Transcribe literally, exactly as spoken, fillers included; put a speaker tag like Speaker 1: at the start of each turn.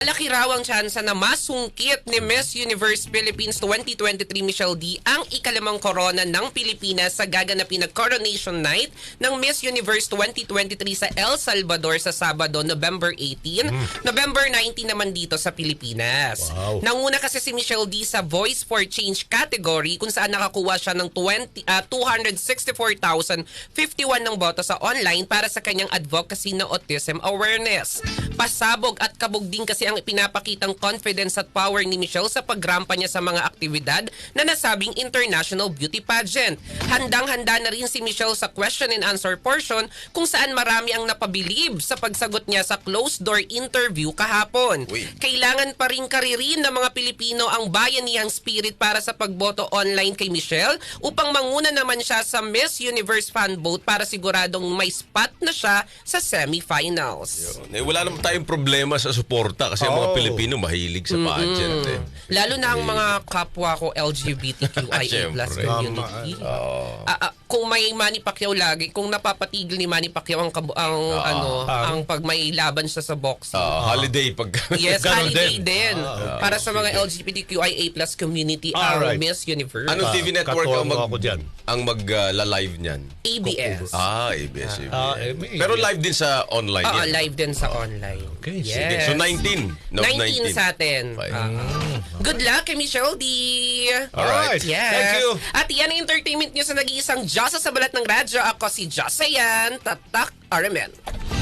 Speaker 1: Malaki raw ang tsansa na masungkit ni Miss Universe Philippines twenty twenty-three Michelle D ang ikalimang korona ng Pilipinas sa gaganapin na Coronation Night ng Miss Universe twenty twenty-three sa El Salvador sa Sabado, November eighteen. Mm. November nineteen naman dito sa Pilipinas.
Speaker 2: Wow.
Speaker 1: Nanguna kasi si Michelle D sa Voice for Change category kung saan nakakuha siya ng twenty, uh, two hundred sixty-four thousand fifty-one ng boto sa online para sa kanyang advocacy na autism awareness. Pasabog at kabog din kasi ang ipinapakitang confidence at power ni Michelle sa pagrampa niya sa mga aktibidad na nasabing international beauty pageant. Handang-handa na rin si Michelle sa question and answer portion kung saan marami ang napabilib sa pagsagot niya sa closed-door interview kahapon.
Speaker 3: Uy.
Speaker 1: Kailangan pa rin karirin ng mga Pilipino ang bayanihang spirit para sa pagboto online kay Michelle upang manguna naman siya sa Miss Universe fan vote para siguradong may spot na siya sa semifinals.
Speaker 3: Eh, wala naman tayong problema sa suporta kasi ang mga
Speaker 2: Oh.
Speaker 3: Pilipino mahilig sa pageant. Eh.
Speaker 1: Lalo na ang mga kapwa ko L G B T Q I A plus
Speaker 3: Siyempre.
Speaker 1: community.
Speaker 3: Oh.
Speaker 1: Ah, ah, kung may Manny Pacquiao lagi, kung napapatigil ni Manny Pacquiao ang, kabu- ang ano,
Speaker 2: Ah.
Speaker 1: ang pag may laban siya sa boxing.
Speaker 3: Ah, holiday pag
Speaker 1: Yes,
Speaker 2: Ganon
Speaker 1: holiday
Speaker 2: din.
Speaker 1: din.
Speaker 2: Ah,
Speaker 1: Para sa mga L G B T Q I A plus community ang
Speaker 2: Alright.
Speaker 1: Miss Universe.
Speaker 3: Anong T V network ang mag
Speaker 2: Katuwa ako dyan.
Speaker 3: ang mag-live niyan?
Speaker 1: A B S.
Speaker 3: Ah, A B S. A B S.
Speaker 2: Ah, eh, may-
Speaker 3: Pero live din sa online
Speaker 1: Oo,
Speaker 3: yan.
Speaker 1: live din sa online.
Speaker 2: Okay,
Speaker 1: yes.
Speaker 3: Sige. So nineteen. No,
Speaker 1: nineteen
Speaker 3: nineteen.
Speaker 1: sa atin.
Speaker 3: Fine.
Speaker 1: Ah, ah. Good luck kay Michelle D.
Speaker 3: Alright.
Speaker 1: Yes.
Speaker 3: Thank you.
Speaker 1: At yan ang entertainment nyo sa nag-iisang Diyosa sa balat ng radyo. Ako si Josayan Tatak R M N.